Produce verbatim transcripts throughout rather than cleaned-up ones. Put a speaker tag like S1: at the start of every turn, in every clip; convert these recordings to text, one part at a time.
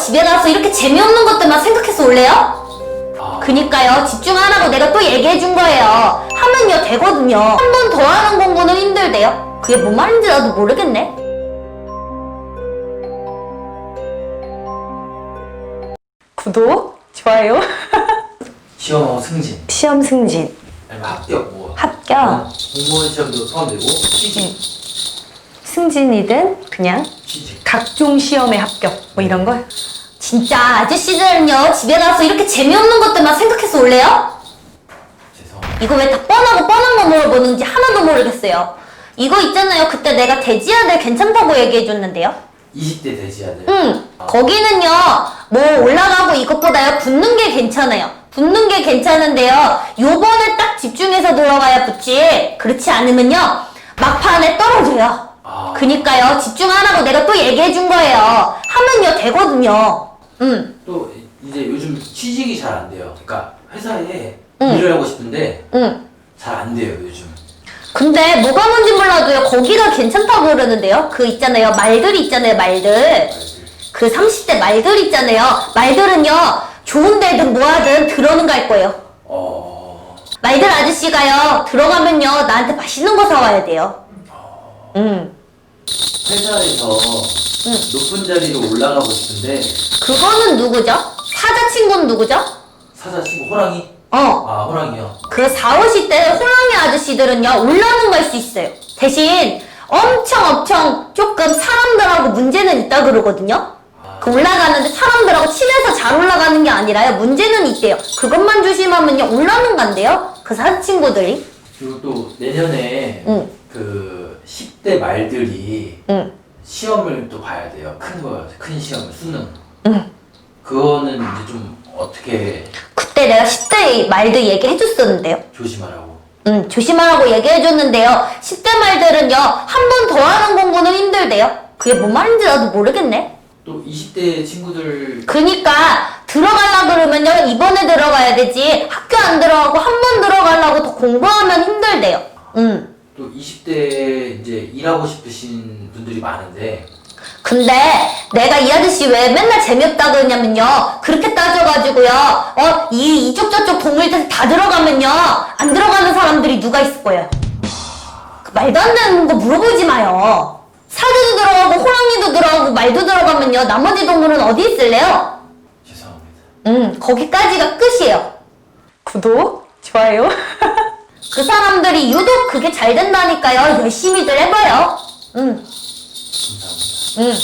S1: 집에 가서 이렇게 재미없는 것들만 생각해서 올래요? 그니까요, 집중 안 하고 내가 또 얘기해 준 거예요. 하면요 되거든요. 한 번 더 하는 공부는 힘들대요. 그게 뭔 말인지 나도 모르겠네.
S2: 구독, 좋아요.
S3: 시험 승진,
S2: 시험 승진,
S3: 아니면 합격, 뭐
S2: 합격,
S3: 공무원 시험도 포함되고 취직,
S2: 승진이든 그냥
S3: 취직.
S2: 각종 시험에 합격 뭐 이런 걸.
S1: 진짜 아저씨들은요, 집에 가서 이렇게 재미없는 것들만 생각해서 올래요?
S3: 죄송합니다.
S1: 이거 왜 다 뻔하고 뻔한 거 물어보는지 하나도 모르겠어요. 이거 있잖아요, 그때 내가 돼지 아들 괜찮다고 얘기해 줬는데요.
S3: 이십 대 돼지 아들.
S1: 응, 거기는요, 뭐 올라가고 이것보다요, 붙는 게 괜찮아요. 붙는 게 괜찮은데요, 요번에 딱 집중해서 들어가야 붙지, 그렇지 않으면요, 막판에 떨어져요.
S3: 아.
S1: 그니까요, 집중 안 하고 내가 또 얘기해 준 거예요. 하면요, 되거든요. 응,
S3: 또 이제 요즘 취직이 잘 안 돼요. 그러니까 회사에
S1: 응.
S3: 일을 하고 싶은데
S1: 응.
S3: 잘 안 돼요 요즘.
S1: 근데 뭐가 뭔지 몰라도요, 거기가 괜찮다고 그러는데요. 그 있잖아요, 말들 있잖아요, 말들. 그 삼십 대 말들 있잖아요. 말들은요, 좋은 데든 뭐하든 들어는 갈 거예요.
S3: 어.
S1: 말들 아저씨가요, 들어가면요, 나한테 맛있는 거 사와야 돼요. 응.
S3: 회사에서 높은 자리로 올라가고 싶은데
S1: 그거는 누구죠? 사자 친구는 누구죠?
S3: 사자 친구 호랑이?
S1: 어.
S3: 아 호랑이요.
S1: 그 사오십 대 호랑이 아저씨들은요, 올라는 갈 수 있어요. 대신 엄청 엄청 조금 사람들하고 문제는 있다 그러거든요. 그 올라가는데 사람들하고 친해서 잘 올라가는 게 아니라요, 문제는 있대요. 그것만 조심하면요, 올라는 간대요. 그 사자 친구들이.
S3: 그리고 또 내년에
S1: 응.
S3: 그 십 대 말들이
S1: 응.
S3: 시험을 또 봐야 돼요. 큰 거, 큰 시험, 수능.
S1: 응.
S3: 그거는 이제 좀 어떻게
S1: 그때 내가 십 대 말들 얘기해줬었는데요.
S3: 조심하라고.
S1: 음, 조심하라고 얘기해줬는데요. 십 대 말들은요, 한 번 더 하는 공부는 힘들대요. 그게 뭔 말인지 나도 모르겠네.
S3: 또 이십 대 친구들
S1: 그니까 들어가려 그러면요, 이번에 들어가야 되지, 학교 안 들어가고 한 번 들어가려고 더 공부하면 힘들대요. 음.
S3: 또 이십 대 이제 일하고 싶으신 분들이 많은데
S1: 근데 내가 이 아저씨 왜 맨날 재미없다 그러냐면요, 그렇게 따져가지고요, 어, 이, 이쪽 저쪽 동물들 다 들어가면요, 안 들어가는 사람들이 누가 있을 거예요. 그 말도 안 되는 거 물어보지 마요. 사자도 들어가고 호랑이도 들어가고 말도 들어가면요, 나머지 동물은 어디 있을래요?
S3: 죄송합니다.
S1: 음, 거기까지가 끝이에요.
S2: 구독, 좋아요.
S1: 그 사람들이 유독 그게 잘 된다니까요. 열심히들 해봐요. 음,
S3: 감사합니다.
S1: 음.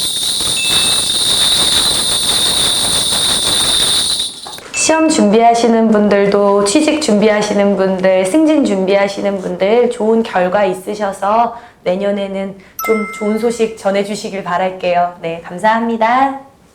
S2: 시험 준비하시는 분들도, 취직 준비하시는 분들, 승진 준비하시는 분들 좋은 결과 있으셔서 내년에는 좀 좋은 소식 전해주시길 바랄게요. 네, 감사합니다.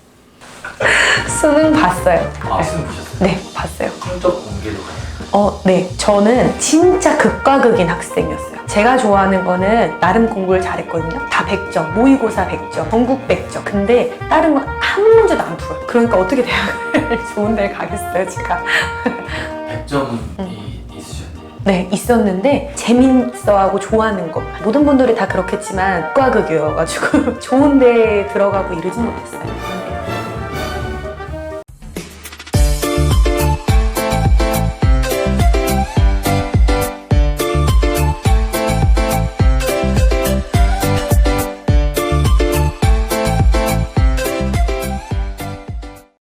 S2: 수능 봤어요.
S3: 아 수능 보셨어요?
S2: 네, 봤어요.
S3: 성적 공개도 가요.
S2: 어, 네. 저는 진짜 극과 극인 학생이었어요. 제가 좋아하는 거는 나름 공부를 잘했거든요. 다 백 점, 모의고사 백 점, 전국 백 점. 근데 다른 건 한 문제도 안 풀어요. 그러니까 어떻게 대학을 좋은 데를 가겠어요, 제가.
S3: 백 점이 있으셨네요.
S2: 네, 있었는데 재밌어하고 좋아하는 거. 모든 분들이 다 그렇겠지만 극과 극이어가지고 좋은 데 들어가고 이러진 못했어요.